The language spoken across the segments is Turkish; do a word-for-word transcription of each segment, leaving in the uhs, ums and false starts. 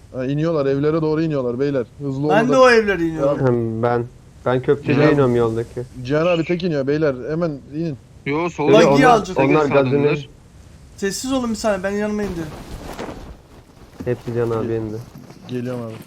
Ha, iniyorlar evlere doğru iniyorlar beyler. Hızlı Ben de olmadan. o evlere iniyorum. Hem ben ben köprüye Ya. iniyorum yoldaki. Cihan abi tek iniyor beyler. Hemen inin. Yo Dedi, solda Buggy onlar, alacak. onlar sağdalar. gazını Sessiz olun bir saniye, ben yanıma indi. hepsi Can abi indi. Geliyorum abi.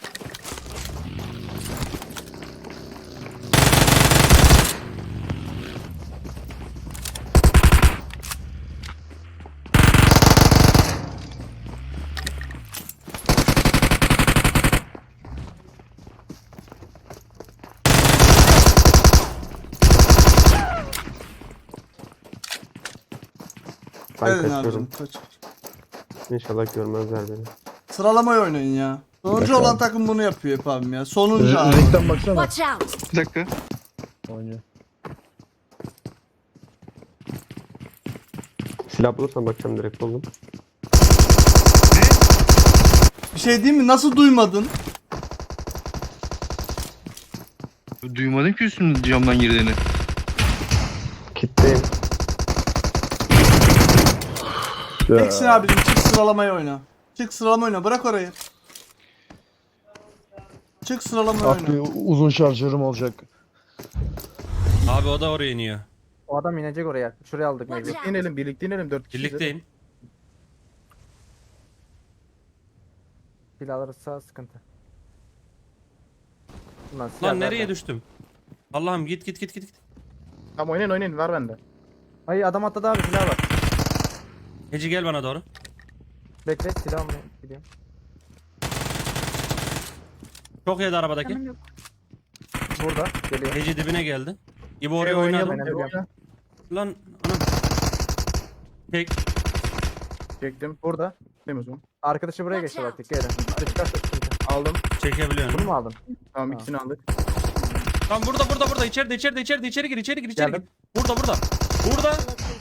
Ben Gelin kaçıyorum. abicim, kaç. İnşallah görmezler beni. Sıralamayı oynayın ya. Sonuncu olan takım bunu yapıyor hep abim ya. Sonuncu abi. Renkten baksana. Watch out! Bir dakika. Oynuyor. Silah bulursam bakacağım direkt buldum. Bir şey değil mi? Nasıl duymadın? Duymadım ki üstümün camdan girdiğini. Kitleyim. Teksin abicim, çık sıralamayı oyna. Çık sıralama oyna, bırak orayı. Çık sıralamayı Ah bir oyna. uzun şarjörüm olacak. Abi o da oraya iniyor. O adam inecek oraya. Şuraya aldık Watch mecbur. out! İnelim birlikte inelim dört kişi. Birlikteyim. Silah alırsa sıkıntı. Ulan silah Lan nereye nerede? düştüm? Allah'ım git git git git. git. Tamam oynayın oynayın var bende. Ay adam atladı abi, silah var. Heci gel bana doğru. Bekle, silah almaya gidiyorum. Çok yedi arabadaki. Burada geliyor. Heci dibine geldi. İbo oraya Ee, oynadı. oynayalım, Aynen, ee, oyna. Lan anam. Tek. Çektim. Burada. Değil mi o zaman? Arkadaşı buraya geçti bak, dikkat edin. Hadi çıkarsa sıkıntı. Aldım. Bunu Çekebiliyorum. mu aldın? Tamam Ha. ikisini aldık. Lan burada burada burada içeride içeride içeride içeri gir içeri gir içeri Geldim. gir. Burada burada. Burada.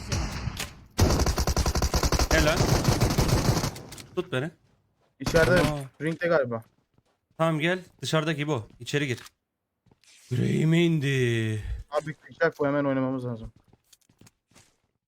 Helal. Tut beni. İçeride Aa. ringde galiba. Tamam gel. Dışarıdaki bu. İçeri gir. Yüreğime indi. Abi kışak bu hemen oynamamız lazım.